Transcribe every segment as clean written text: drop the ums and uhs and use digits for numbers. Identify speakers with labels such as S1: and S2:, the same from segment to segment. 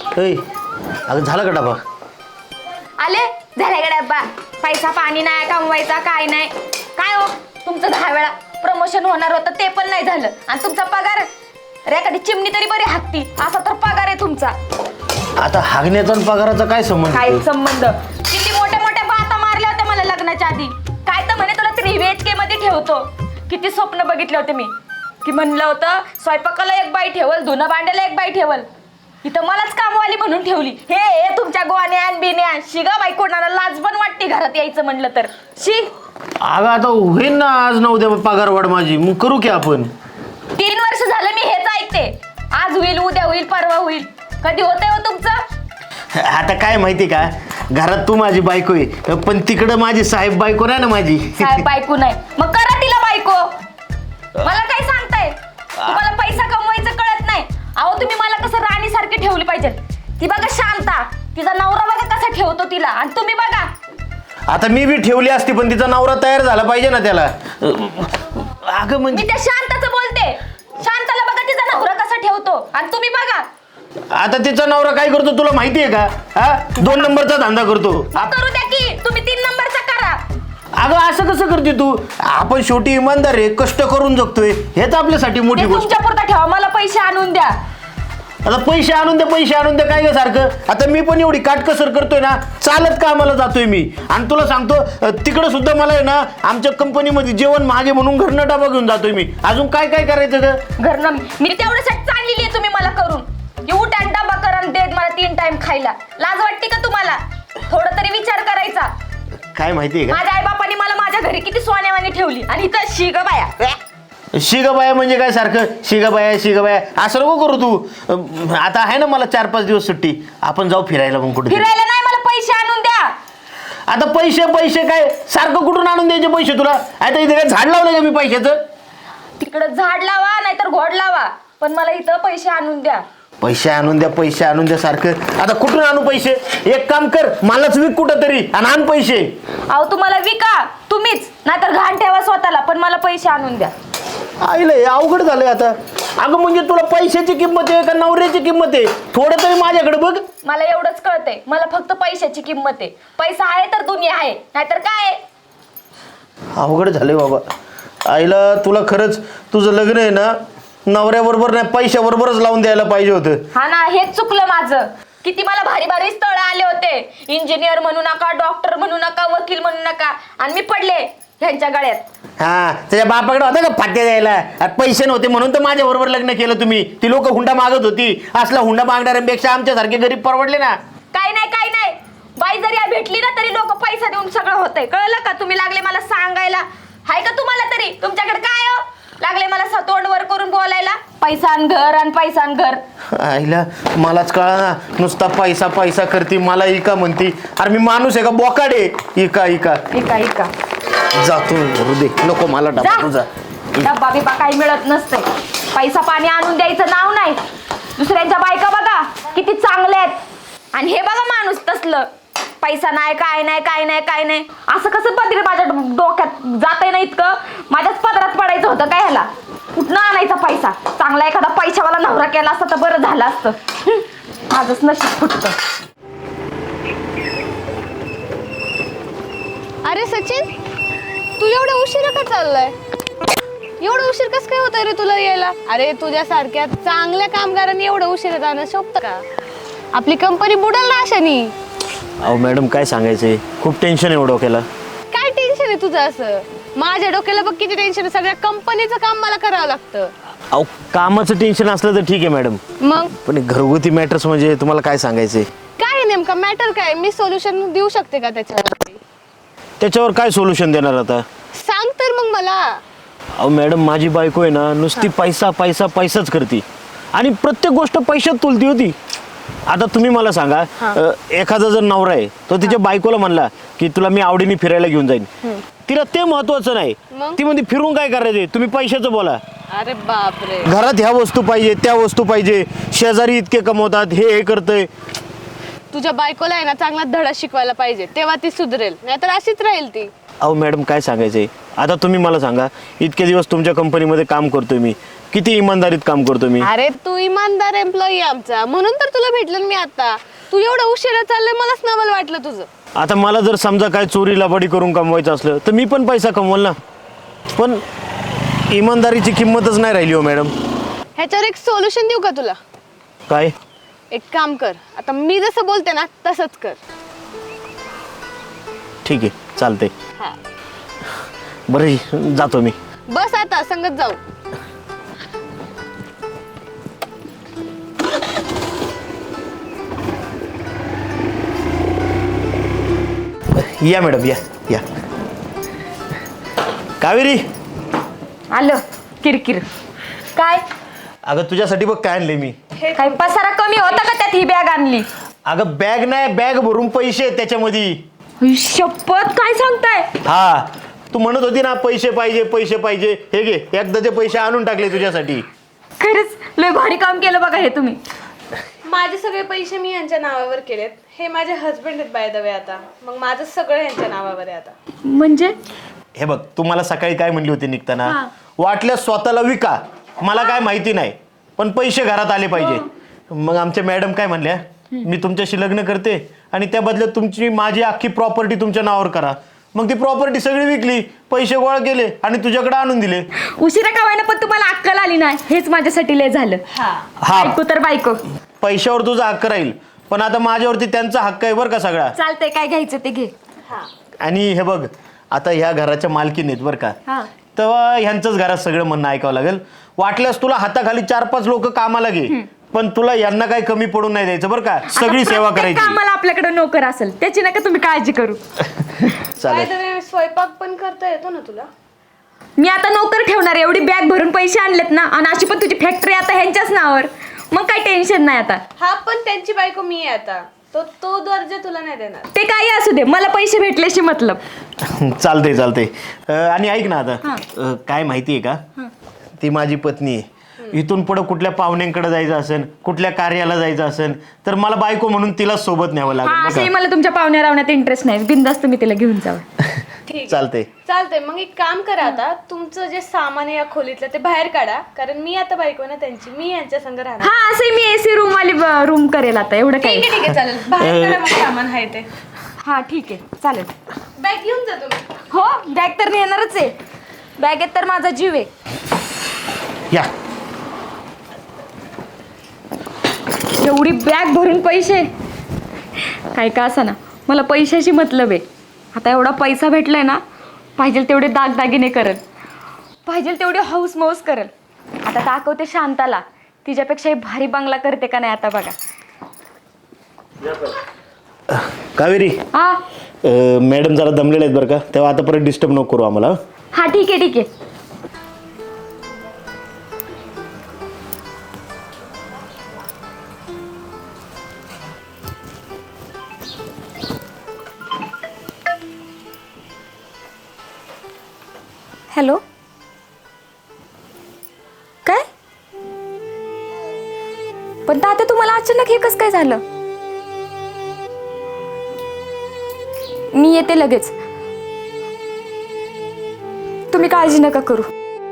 S1: अगं झालं का डबा?
S2: आले झाले का डब्बा? पैसा पाणी नाही कमवायचा काय नाही काय हो तुमचं 10 वेळा प्रमोशन होणार होतं ते पण नाही झालं आणि तुमचा पगार अरे एखादी चिमणी तरी बरी हाकती असा तर पगार आहे तुमचा.
S1: आता हागण्याचा आणि पगाराचा काय संबंध?
S2: काय संबंध? किती मोठ्या मोठ्या बाता मारल्या होत्या मला लग्नाच्या आधी. काय तर म्हणे तुला 3BHK मध्ये ठेवतो. किती स्वप्न बघितले होते मी की म्हणलं होतं स्वयंपाकाला एक बाई ठेवल धुणं भांड्याला एक बाई ठेवल इथं मलाच कामवाली म्हणून ठेवली. हे तुमच्या गोवान्या बिन्या शिगा बाई कोणाला लाज पण वाटते घरात यायचं म्हणलं तर शी.
S1: अगं आता होईन ना आज ना उद्या पगार वाढ माझी मग करू की आपण.
S2: 3 वर्ष झालं मी हेच ऐकते. आज होईल उद्या होईल परवा होईल कधी होतंय हो तुमचं?
S1: आता काय माहिती का घरात तू माझी बायको आहे पण तिकडं माझी साहेब बायको नाही ना माझी.
S2: साहेब बायको नाही मग करा तिला बायको. मला काय सांगताय तुम्हाला पैसा कमवायचं कळत नाही. अहो तुम्ही मला कसं राणी सारखी ठेवली पाहिजे. ती बघा शांता तिचा नवरा बघा कसा ठेवतो तिला आणि तुम्ही बघा.
S1: आता मी बी ठेवली असती पण तिचा नवरा तयार झाला पाहिजे ना त्याला. अगं
S2: मी
S1: म्हणजे
S2: त्या शांताचं बोलते. शांताला बघा तिचा नवरा कसा ठेवतो आणि तुम्ही बघा.
S1: आता तिचा नवरा काय करतो तुला माहितीये का? हा 2 नंबरचा धंदा करतो.
S2: करू द्या की तुम्ही 3 नंबरचा करा.
S1: अगं असं कसं करते तू? आपण शेवटी इमानदार आहे कष्ट करून जगतोय हेच आपल्यासाठी मोठी गोष्ट.
S2: तुमच्या पुरता ठेवा मला पैसे आणून द्या.
S1: आता पैसे आणून दे काय ग सारखं. आता मी पण एवढी काटकसर करतोय ना चालत कामाला जातोय मी आणि तुला सांगतो तिकडे सुद्धा मला आहे ना आमच्या कंपनीमध्ये जेवण मागे म्हणून घरनं डबा घेऊन जातोय मी. अजून काय काय करायचं ग?
S2: घरनं मी तेवढ्यासाठी चाललेली आहे तुम्ही मला करून की उठ आणि डबा करा आणि देत मला 3 टाइम खायला. लाज वाटते का तुम्हाला? थोडं तरी विचार करायचा.
S1: काय माहितीये का
S2: माझ्या आई बापाने मला माझ्या घरी किती सोन्यावानी ठेवली आणि इथं शिग बाया.
S1: शिगाबाया म्हणजे काय सारखं शिगाबाया असं नको करू तू. आता आहे ना मला 4-5 दिवस सुट्टी आपण जाऊ फिरायला मग कुठे.
S2: फिरायला नाही मला पैसे आणून द्या.
S1: आता पैसे काय सारखं कुठून आणून द्यायचे पैसे तुला? आता इथे काय झाड लावलं का मी पैशाचं?
S2: तिकडं झाड लावा नाहीतर घोड लावा पण मला इथं पैसे आणून द्या.
S1: पैसे आणून द्या सारखं. आता कुठून आणू पैसे? एक काम कर मलाच विक कुठं तरी आणि आण पैसे.
S2: अहो तुम्हाला विका तुम्हीच नाहीतर घाण ठेवा स्वतःला पण मला पैसे आणून द्या.
S1: आईला हे अवघड झालंय आता. अगं म्हणजे तुला पैशाची किंमत आहे का नवऱ्याची किंमत आहे? थोडं तरी माझ्याकडे बघ.
S2: मला एवढंच कळतंय मला फक्त पैशाची किंमत आहे. पैसा आहे तर दुनिया आहे नाहीतर काय.
S1: अवघड झालंय बाबा. आईला तुला खरंच तुझं लग्न आहे ना नवऱ्याबरोबर नाही पैशाबरोबरच लावून द्यायला पाहिजे होतं.
S2: हा ना हेच चुकलं माझं. किती मला भारी भारी स्थळ आले होते. इंजिनियर म्हणू नका डॉक्टर म्हणू नका वकील म्हणू नका आणि मी पडले ह्यांच्या गळ्यात.
S1: हा त्याच्या बापाकडे होता का फाटे द्यायला? पैसे नव्हते म्हणून तर माझ्या बरोबर लग्न केलं तुम्ही. ती लोक हुंडा मागत होती. असला हुंडा मागणाऱ्यांपेक्षा आमच्यासारखे गरीब परवडले ना.
S2: काय नाही बाई जरी भेटली ना तरी लोक पैसा देऊन सगळं होतंय. कळलं का? तुम्ही लागले मला सांगायला. हाय का तुम्हाला तरी तुमच्याकडे काय हो? लागले मला तोंड वर करून बोलायला पैसा आणि घर.
S1: आईला मलाच कळा ना नुसता पैसा करते मला इका म्हणती. अरे मी माणूस आहे का बोकाडे? इका जातो हृदय नको मला डबा तुझा.
S2: डब्बा बिबा काही मिळत नसतंय. पैसा पाणी आणून द्यायचं नाव नाही. दुसऱ्यांच्या बायका बघा किती चांगल्या आहेत आणि हे बघा माणूस तसलं. पैसा नाही काय नाही असं कसं पदरी माझ्या डोक्यात जातंय ना इतकं. माझ्याच पदरात पडायचं होतं काय ह्याला? कुठनं आणायचा पैसा? चांगला एखादा पैशावाला नवरा केला असता तर बरं झालं असतं. माझंच नशीब फुटतं.
S3: अरे सचिन तू एवढा उशिरा का चाललाय? एवढं उशीर कसं काय होत रे तुला यायला? अरे तुझ्यासारख्या चांगल्या कामगारांनी एवढं उशिरा जाणं शोभतं का? आपली कंपनी बुडाल ना अशानी.
S1: अहो मॅडम काय सांगायचंय खूप टेन्शन आहे डोक्याला.
S3: काय टेन्शन आहे तुझं असं? माझ्या डोक्याला बघ किती टेन्शन आहे. सगळ्या कंपनीचं काम मला करावं लागतं.
S1: अहो कामाचं टेन्शन असलं तर ठीक आहे मॅडम
S3: मग
S1: पण घरगुती मॅटर्स म्हणजे तुम्हाला काय सांगायचंय?
S3: काय नेमका मॅटर काय? मी सोल्युशन देऊ शकते का त्याच्यावर?
S1: त्याच्यावर काय सोल्युशन देणार आता?
S3: सांग तर मग मला.
S1: अहो मॅडम माझी बायको आहे ना नुसती पैसाच करते आणि प्रत्येक गोष्ट पैशात तुलती होती. आता तुम्ही मला सांगा एखादा जर नवरा आहे तो तिच्या बायकोला म्हणला की तुला मी आवडीने फिरायला घेऊन जाईन. तिला ते महत्वाचं नाही. ती म्हणते फिरून काय करायचे तुम्ही पैशाचं बोला.
S3: अरे बापरे.
S1: घरात ह्या वस्तू पाहिजे त्या वस्तू पाहिजे शेजारी इतके कमवतात हे करतंय.
S3: तुझ्या बायकोला आहे ना चांगला धडा शिकवायला पाहिजे तेव्हा ती सुधरेल नाहीतर अशीच राहील ती.
S1: अहो मॅडम काय सांगायचंय, आता तुम्ही मला सांगा, इतके दिवस तुमच्या कंपनीमध्ये काम करतोय मी, किती इमानदारीत काम करतो मी.
S3: अरे तू इमानदार एम्प्लॉई आमचा, म्हणून तर तुला भेटलं मी आता. तू एवढं उशिरा चाललंय मलाच नवल वाटलं तुझं.
S1: आता मला जर समजा काय चोरी लबाडी करून कमवायचं असलं तर मी पण पैसा कमवल ना, पण इमानदारीची किंमतच नाही राहिली हो मॅडम.
S3: ह्याच्यावर एक सोल्युशन देऊ का तुला?
S1: काय?
S3: एक काम कर, आता मी जसं बोलते ना तसंच कर.
S1: ठीक आहे, चालतंय.
S3: हा
S1: बरं जातो मी.
S3: बस आता संगत जाऊ.
S1: या मॅडम, या या. कावेरी,
S2: आलं किरकिर. काय
S1: अगं तुझ्यासाठी बघ काय आणले मी.
S2: काय पसारा कमी होता का त्यात ही बॅग आणली?
S1: अगं बॅग नाही, बॅग भरून पैसे आहेत त्याच्यामध्ये.
S2: हुई, शपथ काय सांगताय?
S1: हा, तू म्हणत होती ना पैसे पाहिजे पैसे पाहिजे, हे घे एकदाचे पैसे आणून टाकले तुझ्यासाठी.
S2: खरंच लय भारी काम केलं बघा हे तुम्ही.
S3: माझे सगळे पैसे मी यांच्या नावावर केलेत. हे माझे हस्बंड आहेत बाय द वे आता. मग माझं सगळं यांच्या नावावर आहे आता.
S2: म्हणजे
S1: हे बघ, तू मला सकाळी काय म्हणली होती निघताना,
S2: हा.
S1: वाटल्यास स्वतःला विका, मला काय माहिती नाही, पण पैसे घरात आले पाहिजे. मग आमच्या मॅडम काय म्हणल्या, मी तुमच्याशी लग्न करते आणि त्या बदल्यात तुमची माझी अख्खी प्रॉपर्टी तुमच्या नावावर करा. मग ती प्रॉपर्टी सगळी विकली, पैसे गोळा केले आणि तुझ्याकडे आणून दिले.
S2: उशिरा का व्हायना पण तुम्हाला अक्कल आली नाही, हेच माझ्यासाठी लय झालं.
S1: हा,
S2: बायको तर बायको.
S1: पैशावर तुझा हक्क राहील, पण आता माझ्यावरती त्यांचा हक्क आहे बरं का सगळा.
S2: चालतंय, काय घ्यायचं ते घे.
S1: आणि हे बघ, आता ह्या घराच्या मालकीन आहेत बरं का,
S2: हा.
S1: तेव्हा ह्यांचंच घरात सगळं म्हणणं ऐकावं लागेल. वाटल्यास तुला हाताखाली 4-5 लोक कामाला घे, पण तुला यांना काही कमी पडून नाही द्यायचं बरं का, सगळी सेवा करायची.
S2: आम्हाला आपल्याकडे नोकर असेल त्याची नका तुम्ही काळजी करू.
S1: चालेल.
S3: स्वयंपाक पण करता येतो ना तुला?
S2: मी आता नोकर ठेवणार, एवढी बॅग भरून पैसे आणलेत ना, आणि अशी पण तुझी फॅक्टरी आता ह्यांच्याच नावावर, मग काही टेन्शन नाही आता.
S3: हा, पण त्यांची बायको मी आहे आता. तो दर्जा तुला नाही देणार.
S2: ते काही असू दे, मला पैसे भेटल्याशी मतलब.
S1: चालते चालते. आणि ऐक ना आता, काय माहिती आहे का, ती माझी पत्नी आहे. इथून पुढे कुठल्या पाहुण्यांकडे जायचं असेल, कुठल्या कार्याला जायचं असेल, तर मला बायको म्हणून तिला सोबत न्यावं
S2: हा,
S1: लागेल
S2: असंही
S1: बघा.
S2: मला तुमच्या पाहुण्या रावण्यात इंटरेस्ट नाही, बिंदास्त मी तिला घेऊन जावं.
S1: चालते.
S3: चालतंय, मग एक काम करा, आता तुमचं जे सामान आहे या खोलीतलं ते बाहेर काढा, कारण मी आता बायको ना त्यांची, मी यांच्या संग राहणार.
S2: हा, असंही मी एसी रूम वाली रूम करेल आता, एवढं काही.
S3: ठीक आहे चालेल, बाहेर काढा मग सामान आहे ते.
S2: हा ठीक आहे, चालेल.
S3: बॅग घेऊन जा तुम्ही.
S2: हो, बॅग तर नेणारच आहे, बॅगेत तर माझा जीव आहे.
S1: या.
S2: एवढी बॅग भरून पैसे, काय का असं ना, मला पैशाशी मतलब आहे. आता एवढा पैसा भेटलाय ना, पाहिजे तेवढे दागदागिने करल, पाहिजे तेवढे हौस मौस करल. आता दाखवते शांताला, तिच्यापेक्षा भारी बंगला करते का नाही आता बघा.
S1: कावेरी,
S2: हा
S1: मॅडम जरा दमलेले आहेत बरं का, तेव्हा आता परत डिस्टर्ब नको करू आम्हाला.
S2: हा ठीक आहे ठीक आहे. हॅलो, काय? पण तात्या तुम्हाला अचानक हे कसं काय झालं? मी येते लगेच, तुम्ही काळजी नका करू.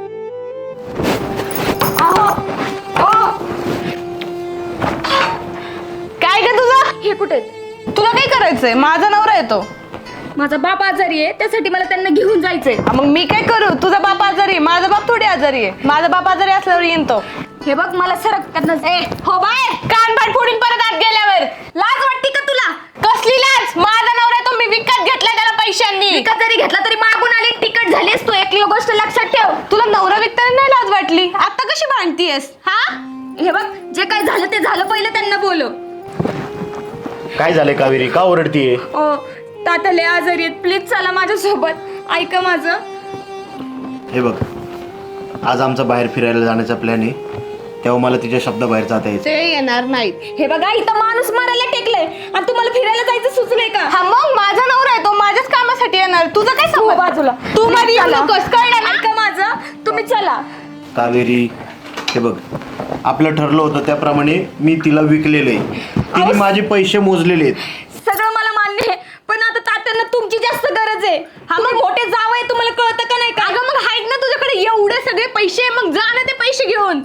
S3: काय ग तुझं?
S2: हे कुठे?
S3: तुला काय करायचंय? माझा नवरा येतो.
S2: माझा बाप आजारी आहे, त्यासाठी मला त्यांना घेऊन जायचंय.
S3: मग मी काय करू? तुझा बाप आजारी आहे, माझा बाप थोडी आजारी आहे. माझा बाप आजारी असल्यावर येईन तो.
S2: हे बघ, मला सरक त्यांना.
S3: हो बाय, कान पाठ फोडून परत आत गेल्यावर.
S2: लाज वाटते का तुला?
S3: कसली लाज? माझा नवरा तो मी विकत घेतलाय त्याला पैशांनी.
S2: विकत जरी घेतला तरी मागून आली तिकट झालीस तू. एक गोष्ट लक्षात ठेव,
S3: तुला नवरा विकताना नाही लाज वाटली? आता कशी भांडतीयस? हा,
S2: हे बघ, जे काय झालं ते झालं, पहिलं त्यांना बोलव.
S1: काय झालंय कावेरी, का ओरडतीये?
S2: ओ तात्या लय आजारी आहेत, प्लीज चला माझ्यासोबत, ऐका माझं.
S1: हे बघ, आज आमचा बाहेर फिरायला जाण्याचा प्लॅन आहे, तेव्हा मला तिच्या शब्दाबाहेर जाता यायचं.
S3: ते येणार नाहीत.
S2: हे बघा, इथं माणूस मारायला टेकलंय आणि तुम्हाला फिरायला जायचं सुचलंय का?
S3: हा, मग माझा नवरा आहे तो माझ्याच कामासाठी येणार. तुझं काय
S2: तू
S3: समज?
S2: बाजूला,
S3: तू मध्ये येऊ
S2: चला.
S3: नकोस, कळलं ना?
S2: ऐका माझं, तुम्ही चला.
S1: कावेरी, हे बघ, आपलं ठरलं होतं त्याप्रमाणे मी तिला विकलेलं आहे, तिने माझे पैसे मोजलेले आहेत.
S2: सगळं मला मान्य आहे, पण आता तात्यांना तुमची जास्त गरज आहे. हा मग मोठे जाव आहे, तुम्हाला कळतं का नाही का?
S3: अगं मग आहेत ना तुझ्याकडे एवढे सगळे पैसे, मग जा ना ते पैसे घेऊन.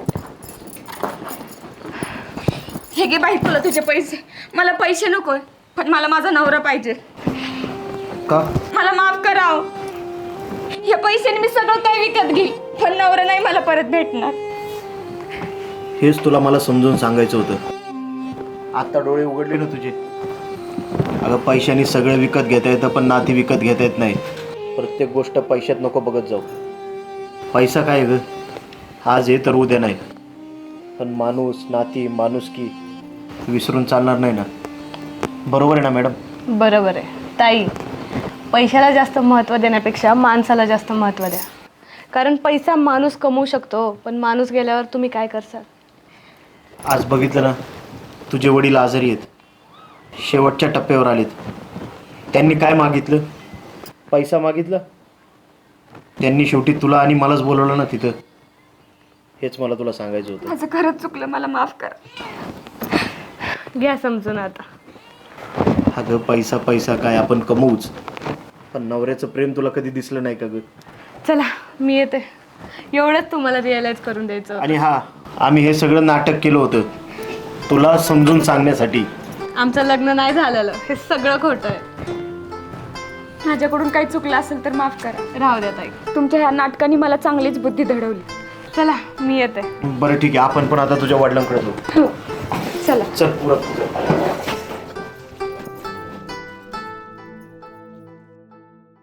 S2: हे घे बाई तुला तुझे पैसे. मला पैसे नकोय, पण मला माझा नवरा पाहिजे.
S1: का?
S2: मला माफ कराव. या पैशाने मी सगळं काही विकत घेईल, पण नवरा नाही मला परत भेटणार.
S1: हेच तुला मला समजून सांगायचं होतं. आता डोळे उघडले ना तुझे. अगं पैशाने सगळं विकत घेता येतं, पण नाती विकत घेता येत नाही. प्रत्येक गोष्ट पैशात नको बघत जाऊ. पैसा काय ग, आज आहे तर उद्या नाही. पण माणूस, नाती, माणुसकी विसरून चालणार नाही ना. बरोबर आहे ना मॅडम?
S3: बरोबर आहे ताई. पैशाला जास्त महत्त्व देण्यापेक्षा माणसाला जास्त महत्त्व द्या. कारण पैसा माणूस कमवू शकतो, पण माणूस गेल्यावर तुम्ही काय करसाल?
S1: आज बघितलं ना, तुझे वडील आजारी आहेत, शेवटच्या टप्प्यावर आलेत. त्यांनी काय मागितलं? पैसा मागितला. त्यांनी शेवटी तुला आणि मलाच बोलवलं ना तिथं. हेच मला तुला सांगायचं होतं.
S2: माझं खरंच चुकलं, मला माफ करा.
S3: घ्या समजून आता.
S1: अगं पैसा पैसा काय आपण कमवूच, पण नवऱ्याचं प्रेम तुला कधी दिसलं नाही का ग?
S3: चला मी येते. एवढंच तुम्हाला रिअलाइज करून द्यायचं.
S1: आणि हा, आम्ही हे सगळं नाटक केलं होतं तुला समजून सांगण्यासाठी.
S3: आमचं लग्न नाही झालेलं, हे सगळं खोटं आहे.
S2: माझ्याकडून काही चुकलं असेल तर माफ करा.
S3: राहू द्या ताई.
S2: तुमच्या ह्या नाटकाने मला चांगलीच बुद्धी घडवली.
S3: चला मी येते.
S1: बरं ठीक आहे, आपण पण आता तुझ्या वडिलांकडे जाऊ.
S2: चला.
S1: चल पुढं.